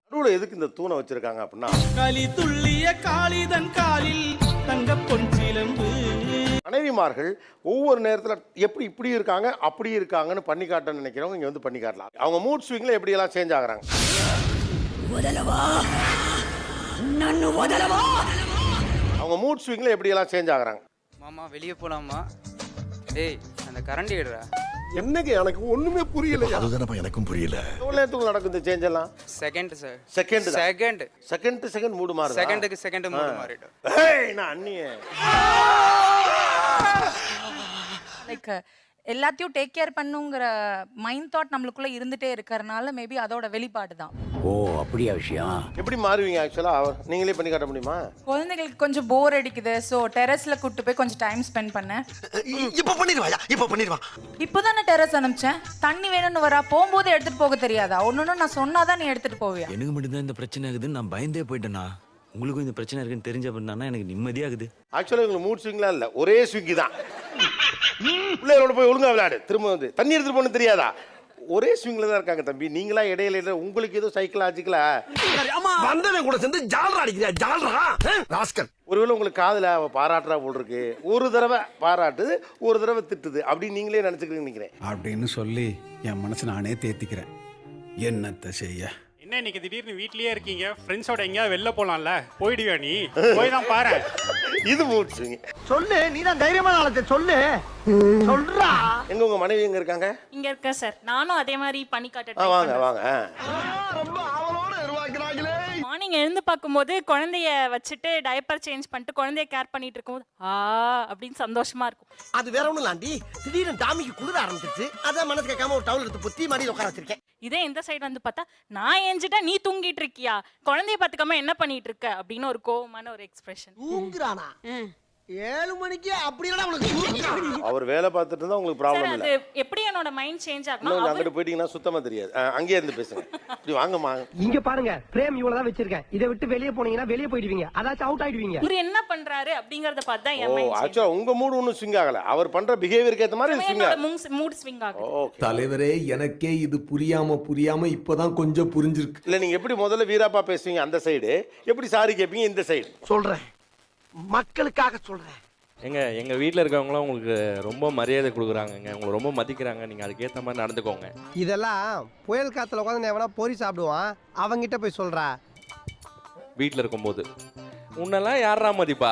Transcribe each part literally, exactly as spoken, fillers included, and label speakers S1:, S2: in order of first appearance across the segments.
S1: நடுவுல எதுக்கு இந்த தூணை வச்சிருக்காங்க அப்படின்னா,
S2: களி துள்ளிய காளிதன் காலில் தங்க பொன் சிலம்பு.
S1: மனைவிமார்கள் ஒவ்வொரு நேரத்தில் எப்படி இப்படி இருக்காங்க அப்படி இருக்காங்கன்னு பண்ணி காட்ட நினைக்கிறவங்க இங்க வந்து பண்ணி காட்டலாம். அவங்க மூட் ஸ்விங்ல எப்படி எல்லாம் சேஞ்ச் ஆகுறாங்க. அவங்க மூட் ஸ்விங்ல எப்படி எல்லாம் சேஞ்ச் ஆகுறாங்க.
S3: மாமா வெளியே போலாமா? டேய் அந்த கரண்டி எடுறா.
S4: என்னங்க எனக்கு ஒண்ணுமே புரியல. அதுதானப்பா எனக்கும் புரியல.
S1: எவ்வளவு நேரத்துக்கு நடக்கும் இந்த சேஞ்ச் எல்லாம்?
S3: Second sir.
S1: Second
S3: second
S1: second to second mood மாறுது.
S3: செகண்டுக்கு செகண்ட் மூடு மாறிடும்.
S1: ஏய் நான் அண்ணியே.
S5: லைக் எல்லாத்தையும் டேக் கேர் பண்ணுங்கிற மைண்ட் தாட் நம்மளுக்குள்ள இருந்துட்டே இருக்கறனால மேபி அதோட வெளிப்பாடு தான்.
S6: ஓ அப்படியா விஷயம்.
S1: எப்படி மாறுவீங்க ஆக்சுவலா? நீங்களே பண்ணி காட்ட முடியுமா?
S5: குழந்தைகளுக்கு கொஞ்சம் போர் அடிக்குது, ஸோ டெரஸ்ல கூட்டு போய் கொஞ்சம் டைம் ஸ்பெண்ட் பண்ணேன்.
S4: இப்ப பண்ணிடுவாயா? இப்ப பண்ணிடுவா.
S5: இப்போதானே டெரஸ் அனுப்பிச்சேன். தண்ணி வேணும்னு வரா, போகும்போது எடுத்துட்டு போக தெரியாதா? ஒன்னொன்னு நான் சொன்னாதான் நீ எடுத்துட்டு போவியா?
S6: எனக்கு மட்டும்தான் இந்த பிரச்சனை ஆகுதுன்னு நான் பயந்தே போயிட்டேனா. உங்களுக்கும் இந்த பிரச்சனை இருக்குன்னு தெரிஞ்ச பண்ணா எனக்கு நிம்மதியாகுது.
S1: ஆக்சுவலா உங்களுக்கு மூட் ஸ்விங்லாம் இல்ல, ஒரே ஸ்விங் தான். பிள்ளைகளோட போய் ஒழுங்கா விளையாடு, திரும்ப வந்து தண்ணி எடுத்துட்டு போன தெரியாதா? ஒரே ஸ்விங்ல தான் இருக்காங்க தம்பி. நீங்களா இடையில உங்களுக்கு ஏதோ சைக்கலாஜிக்கலா
S4: வந்தவன் கூட சேர்ந்து ஜால்ரா அடிக்கிறியா? ஜால்ரா ராஸ்கல்.
S1: ஒருவேளை உங்களுக்கு காதுல அவ பாராட்டுறா போல் இருக்கு. ஒரு தடவை பாராட்டுது, ஒரு தடவை திட்டுது, அப்படி நீங்களே நினைச்சுக்கிறீங்க நினைக்கிறேன்
S7: அப்படின்னு சொல்லி என் மனசு நானே தேத்திக்கிறேன். என்னத்தை செய்ய?
S8: என்ன இன்னைக்கு திடீர்னு வீட்லயே இருக்கீங்க? ஃப்ரெண்ட்ஸோட எங்கேயாவது வெளில போலாம்ல? போயிடுவியா நீ? போய் தான் பாரு.
S1: இது மூட் ஸ்விங்.
S4: சொல்லு, நீ தான் தைரியமான ஆளத்தை சொல்லு. சொல்றா.
S1: எங்க உங்க மனைவி எங்க இருக்காங்க?
S9: இங்க இருக்க சார். நானும் அதே மாதிரி பண்ணி காட்ட
S1: வாங்க வாங்க.
S4: ரொம்ப ஆவலோட உருவாக்குறாங்களே.
S9: மார்னிங் எழுந்து பார்க்கும்போது குழந்தைய வச்சுட்டு டைப்பர் சேஞ்ச் பண்ணிட்டு குழந்தைய கேர் பண்ணிட்டு இருக்கும்போது ஆ அப்படின்னு சந்தோஷமா இருக்கும்.
S4: அது வேற ஒண்ணும் இல்லாண்டி, திடீர்னு டாமிக்கு குளிர ஆரம்பிச்சிருச்சு. அதான் மனசு கேட்காம ஒரு டவுல் எடுத்து பொத்தி மாடி உட்கார வச்சிருக்கேன்.
S9: இதே இந்த சைடு வந்து பார்த்தா நான் ஏஞ்சிட்டா நீ தூங்கிட்டு இருக்கியா, குழந்தைய பார்த்துக்காம என்ன பண்ணிட்டு இருக்க அப்படின்னு ஒரு கோவமான ஒரு எக்ஸ்பிரஷன்.
S4: தூங்குறானா? ஏழு மணிக்கு அப்படி இல்லடா உனக்கு.
S1: அவர் வேலை பார்த்துட்டு இருந்தா உங்களுக்கு ப்ராப்ளம்
S9: சார்
S1: இல்ல.
S9: அது எப்படி என்னோட மைண்ட் சேஞ்ச் ஆகணும்.
S1: இன்னும் அங்கிட்டு போயிட்டீங்கன்னா சுத்தமா தெரியாது. அங்கேயே இருந்து பேசுங்க. இப்படி வாங்கம்மா.
S10: இங்க பாருங்க, பிரேம் இவ்வளவுதான் வச்சிருக்கேன். இதை விட்டு வெளியே போனீங்கன்னா வெளியே போயிடுவீங்க. அதாச்சும் அவுட் ஆயிடுவீங்க.
S9: இவர் என்ன பண்றாரு அப்படிங்கறத பார்த்து தான்
S1: ஓ
S9: என் மைண்ட் சேஞ்ச்.
S1: ஆக்சுவலா உங்க மூடு ஒன்னும் ஸ்விங் ஆகல. அவர் பண்ற பிஹேவியருக்கு ஏத்த மாதிரி ஸ்விங்
S9: என்னோட
S1: ஆகுது.
S9: மூட் ஸ்விங் ஆகுது.
S1: ஓகே.
S11: தலைவரே எனக்கே இது புரியாம புரியாம இப்பதான் கொஞ்சம் புரிஞ்சிருக்கு.
S1: இல்ல நீங்க எப்படி முதல்ல வீராப்பா பேசுவீங்க அந்த சைடு, எப்படி சாரி கேட்பீங்க இந்த சைடு?
S4: சொல்றேன், மக்களுக்காக சொல்றேன்.
S12: எங்க எங்க வீட்டில் இருக்கவங்களாம் உங்களுக்கு ரொம்ப மரியாதை கொடுக்குறாங்கங்க, உங்களை ரொம்ப மதிக்கிறாங்க. நீங்கள் அதுக்கேற்ற மாதிரி நடந்துக்கோங்க.
S10: இதெல்லாம் புயல் காத்துல உட்காந்து எவனா பொறி சாப்பிடுவான், அவங்கிட்ட போய் சொல்றா.
S12: வீட்டில் இருக்கும்போது உன்னெல்லாம் யாரா மதிப்பா?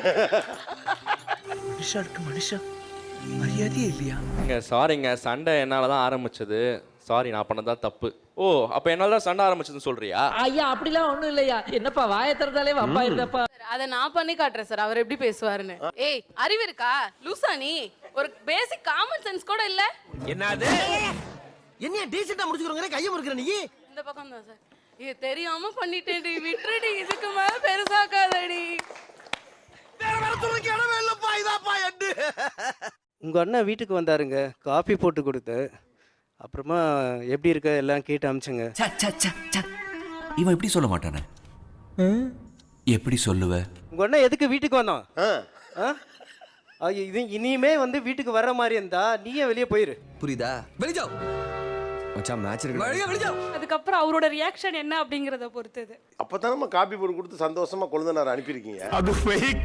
S2: மனுஷனுக்கு மனுஷன் மரியாதையே இல்லையா?
S12: இங்க சாரிங்க, சண்டை என்னால் தான் ஆரம்பிச்சது. சாரி, நான் பண்ணதா தப்பு. ஓ அப்போ என்னால் தான் சண்டை ஆரம்பிச்சதுன்னு சொல்றியா?
S13: ஐயா அப்படிலாம் ஒண்ணும் இல்லையா. என்னப்பா வாயை திறந்தாலே வம்பா இருந்தப்பா.
S5: அதை நான் பண்ணி காட்டுறேன் சார், அவர் எப்படி பேசுவாருன்னு. ஏய் அறிவு இருக்கா லூசா நீ? ஒரு பேசிக் காமன் சென்ஸ் கூட இல்ல.
S4: என்னது? என்ன டீசெண்டா முடிச்சுக்கறங்க, கைய முறுக்குற நீ?
S5: இந்த பக்கம் தான் சார். இது தெரியாம பண்ணிட்டேன்டி, விட்டுடி, இதுக்கு மேல பெருசாக்காதடி.
S4: வேற வேற சொல்லுங்க, இடமே இல்லப்பா. இதாப்பா எண்டு.
S3: உங்க அண்ணன் வீட்டுக்கு வந்தாருங்க, காஃபி போட்டு கொடுத்து அப்புறமா எப்படி இருக்க எல்லாம் கேட்டு அமிச்சுங்க.
S6: இவன் எப்படி சொல்ல மாட்டானே? எப்படி சொல்லுவ?
S3: உங்க அண்ணன் எதுக்கு வீட்டுக்கு வந்தான்?
S1: ஆ
S3: இது இனிமே வந்து வீட்டுக்கு வர்ற மாதிரி இருந்தா நீயே வெளியே போயிரு.
S6: புரியுதா? வெளியே மச்சான் மேட்ச் இருக்கு.
S9: அதுக்கப்புறம் அவரோட ரியாக்ஷன் என்ன அப்படிங்கறத பொறுத்தது.
S1: அப்பதான் நம்ம காப்பி போட்டு கொடுத்து சந்தோஷமா கொழுந்தனார் அனுப்பியிருக்கீங்க.
S4: அது ஃபேக்.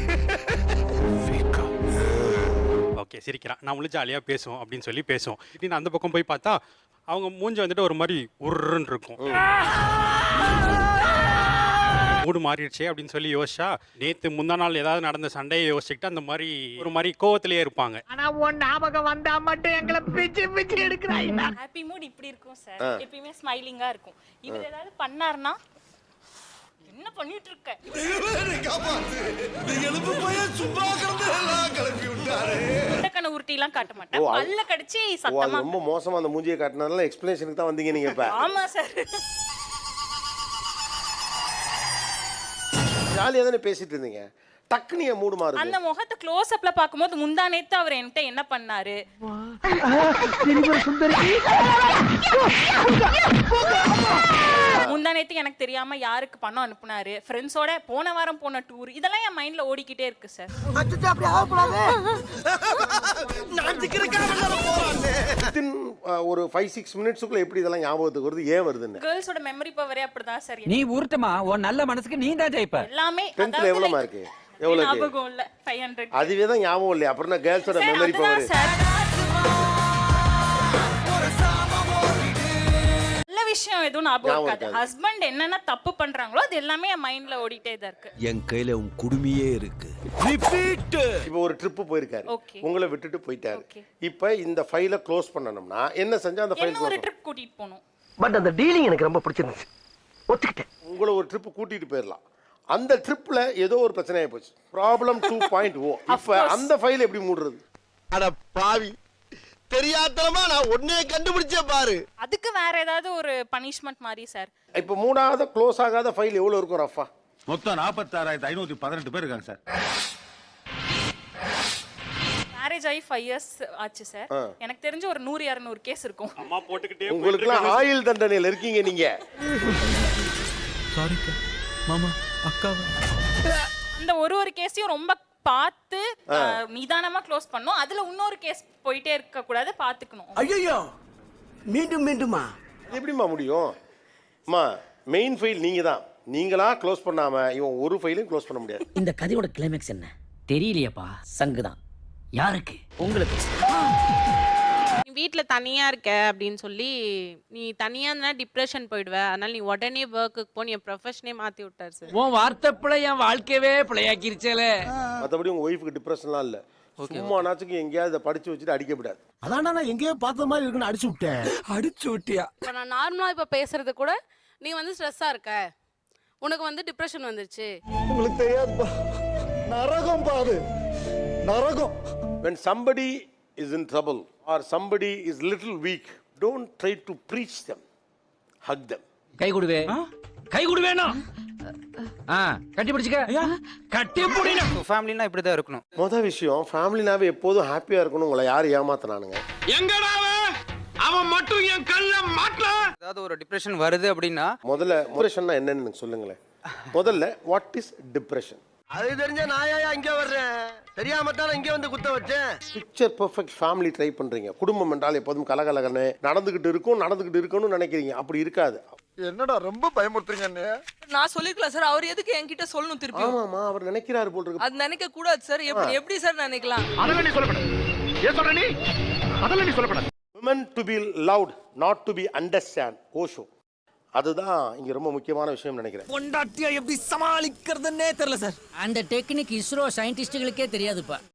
S8: ஓகே சிரிக்கிறான், நம்மளும் ஜாலியாக பேசுவோம் அப்படின்னு சொல்லி பேசுவோம். இப்படின்னு அந்த பக்கம் போய் பார்த்தா அவங்க மூஞ்சி வந்துட்டு ஒரு மாதிரி உருன்னு இருக்கும். மூடு மாறிடுச்சே அப்படின்னு சொல்லி யோசிச்சா நேற்று முந்தா நாள் ஏதாவது நடந்த சண்டையை யோசிச்சுக்கிட்டு அந்த மாதிரி ஒரு மாதிரி கோவத்திலேயே இருப்பாங்க.
S13: ஆனா உன் ஞாபகம் வந்தா மட்டும் எங்களை பிச்சு பிச்சு எடுக்கிறாங்க.
S9: ஹாப்பி மூட் இப்படி இருக்கும் சார், எப்பயுமே ஸ்மைலிங்கா இருக்கும். இவர் ஏதாவது பண்ணாருன்னா என்ன பண்ணிட்டு இருக்க? கண்ண உருட்டி எல்லாம் காட்ட மாட்டேன், பல்ல கடிச்சு சத்தமா.
S1: ரொம்ப மோசமா அந்த மூஞ்சியை காட்டினதால எக்ஸ்பிளனேஷனுக்கு தான் வந்தீங்க நீங்க இப்ப.
S9: ஆமா சார்.
S1: ஜாலியா தானே பேசிட்டு இருந்தீங்க, டக்குனு என் மூடு மாறுது.
S9: அந்த முகத்தை க்ளோஸ் அப்ல பாக்கும்போது முந்தா நேத்து அவர் என்கிட்ட என்ன பண்ணாரு, முந்தா நேத்து எனக்கு தெரியாம யாருக்கு பணம் அனுப்புனாரு, ஃப்ரெண்ட்ஸோட போன வாரம் போன டூர், இதெல்லாம் என் மைண்ட்ல ஓடிக்கிட்டே இருக்கு சார்.
S4: அச்சச்சோ, அப்படி ஆகக்கூடாது. நான்
S1: Within, uh, ஒரு ஃபைவ் சிக்ஸ் மினிட்ஸுக்குள்ள எப்படி இதெல்லாம் ஞாபகத்துக்கு வருது, ஏன் வருதுன்னு?
S9: கேர்ள்ஸோட மெமரி பவரே அப்படிதான் சார்.
S10: நீ உருட்டுமா, உன் நல்ல மனசுக்கு நீ தான் ஜெயிப்ப.
S9: எல்லாமே
S1: டென்த்ல எவ்வளவு மார்க்? எவ்வளவு?
S9: ஞாபகம் இல்ல, ஃபைவ் ஹண்ட்ரட்.
S1: அதுவே தான் ஞாபகம் இல்லையா? அப்புறம் என்ன கேர்ள்ஸோட
S9: சார்,
S1: மெமரி
S9: அதுதான்
S1: பவர்?
S9: சார். நல்ல விஷயம் எதுவும் ஞாபகம்
S1: ஞாபகம்
S9: இருக்காது.
S1: இருக்காது.
S9: ஹஸ்பண்ட் என்னென்ன தப்பு பண்றாங்களோ அது எல்லாமே என் மைண்ட்ல ஓடிட்டே தான் இருக்கு.
S11: என் கையில உன் குடுமியே இருக்கு.
S1: இப்போ ஒரு ட்ரிப் போயிருக்காரு,
S9: Okay.
S1: உங்களை விட்டுட்டு போயிட்டாரு.
S9: Okay.
S1: இப்போ இந்த ஃபைலை க்ளோஸ் பண்ணணும்னா என்ன செஞ்சா அந்த ஃபைல்
S9: என்ன ஒரு
S1: க்ளோஸ்?
S9: ட்ரிப் கூட்டிட்டு போகணும்.
S4: பட் அந்த டீலிங் எனக்கு ரொம்ப பிடிச்சிருந்துச்சு, ஒத்துக்கிட்டேன்.
S1: உங்களை ஒரு ட்ரிப் கூட்டிட்டு போயிடலாம். அந்த ட்ரிப்ல ஏதோ ஒரு பிரச்சனை ஆகி போச்சு, ப்ராப்ளம் டூ பாயிண்ட் ஓ. இப்போ அந்த ஃபைல் எப்படி மூடுறது?
S4: அட பாவி, தெரியாதனமா நான் ஒன்னே கண்டுபிடிச்சே பாரு.
S9: அதுக்கு வேற ஏதாவது ஒரு பனிஷ்மெண்ட் மாதிரி சார்.
S1: இப்போ மூடாத க்ளோஸ் ஆகாத ஃபைல் எவ்வளவு இருக்கும் ரஃபா?
S7: மொத்தம் நாற்பத்தாறாயிரத்தி ஐநூத்தி பதினெட்டு பேர் இருக்காங்க சார்.
S9: மேரேஜ் ஆகி ஃபைவ் இயர்ஸ் ஆச்சு சார். எனக்கு தெரிஞ்சு ஒரு நூறு இரநூறு கேஸ் இருக்கும்.
S8: அம்மா போட்டுக்கிட்டே
S1: உங்களுக்குலாம் ஆயுள் தண்டனையில் இருக்கீங்க நீங்க.
S2: சாரிக்கா மாமா அக்காவா.
S9: அந்த ஒரு ஒரு கேஸையும் ரொம்ப பார்த்து அஹ், நிதானமா க்ளோஸ் பண்ணணும். அதுல இன்னொரு கேஸ் போயிட்டே இருக்க கூடாது, பாத்துக்கணும்.
S4: ஐயோ, மீண்டும் மீண்டுமா?
S1: இது எப்படிம்மா முடியும்? அம்மா, மெயின் ஃபைல் நீங்க தான். நீங்களா க்ளோஸ் பண்ணாம இவன் ஒரு ஃபைலையும் க்ளோஸ் பண்ண முடியாது.
S10: இந்த கதையோட கிளைமேக்ஸ் என்ன தெரியலையேப்பா. சங்குதான். யாருக்கு? உங்களுக்கு.
S5: நீ வீட்ல தனியா இருக்க அப்படின்னு சொல்லி நீ தனியா இருந்தா டிப்ரெஷன் போயிடுவ, அதனால நீ உடனே ஒர்க்குக்கு போ, நீ ப்ரொஃபஷனே மாத்தி விட்டாரு சார்.
S10: உன் வார்த்தை பிள்ளை என் வாழ்க்கையவே பிள்ளையாக்கிருச்சேல.
S1: மற்றபடி உங்க ஒய்ஃபுக்கு டிப்ரெஷன்லாம் இல்லை. சும்மா நாச்சுக்கு எங்கேயாவது இதை படிச்சு வச்சுட்டு அடிக்கப்படாது.
S4: அதான் நான் எங்கேயோ பார்த்த மாதிரி இருக்குன்னு அடிச்சு விட்டேன்.
S10: அடிச்சு விட்டியா?
S5: இப்போ நான் நார்மலா இப்போ பேசுறது கூட நீ வந்து ஸ்ட்ரெஸ்ஸா இருக்க, உனக்கு வந்து டிப்ரெஷன் வந்துருச்சு.
S4: உங்களுக்கு தெரியாதுப்பா, நரகம் பாரு, நரகம்.
S1: When somebody is in trouble or somebody is little weak, don't try to preach them. Hug them.
S10: கை கொடுவே, கை கொடுவேனா? ஆ, கட்டி பிடிச்சுக்க. கட்டி பிடினா.
S3: ஃபேமிலினா இப்படி தான் இருக்கணும்.
S1: மொதல் விஷயம், ஃபேமிலினாவே எப்போதும் ஹாப்பியா இருக்கணும். உங்களை யார் ஏமாத்தினானுங்க?
S13: அவன் மட்டும் என் கல்ல மாட்டல.
S3: ஏதாவது ஒரு டிப்ரெஷன் வருது அப்படின்னா
S1: முதல்ல டிப்ரெஷன்னா என்னன்னு எனக்கு சொல்லுங்களேன். முதல்ல வாட் இஸ் டிப்ரெஷன்?
S4: அது தெரிஞ்ச நாயா இங்க வர்றேன், தெரியாம தான் இங்க வந்து குத்த வச்சேன்.
S1: பிக்சர் பெர்ஃபெக்ட் ஃபேமிலி ட்ரை பண்றீங்க. குடும்பம் என்றால் எப்போதும் கலகலகன்னு நடந்துகிட்டு இருக்கும், நடந்துகிட்டு இருக்கணும்னு நினைக்கிறீங்க. அப்படி இருக்காது.
S4: என்னடா ரொம்ப பயமுறுத்துறீங்க அண்ணே.
S5: நான் சொல்லிக்கலாம் சார், அவர் எதுக்கு என்கிட்ட சொல்லணும் திருப்பி?
S1: ஆமாமா, அவர் நினைக்கிறாரு போல் இருக்கு.
S5: அது நினைக்க கூடாது சார். எப்படி எப்படி சார் நினைக்கலாம்?
S13: அதெல்லாம் நீ சொல்லப்பட. ஏன் சொல்ற நீ? அதெல்லாம் நீ சொல்லப்பட.
S1: Women to be loud, not to be understand. Osho. அதுதான் இங்க ரொம்ப முக்கியமான விஷயம் நினைக்கிறேன்.
S10: பொண்டாட்டியா எப்படி சமாளிக்கிறதுன்னே தெரியல சார். அந்த டெக்னிக் இஸ்ரோ சயின்டிஸ்டுகளுக்கே தெரியாதுப்பா.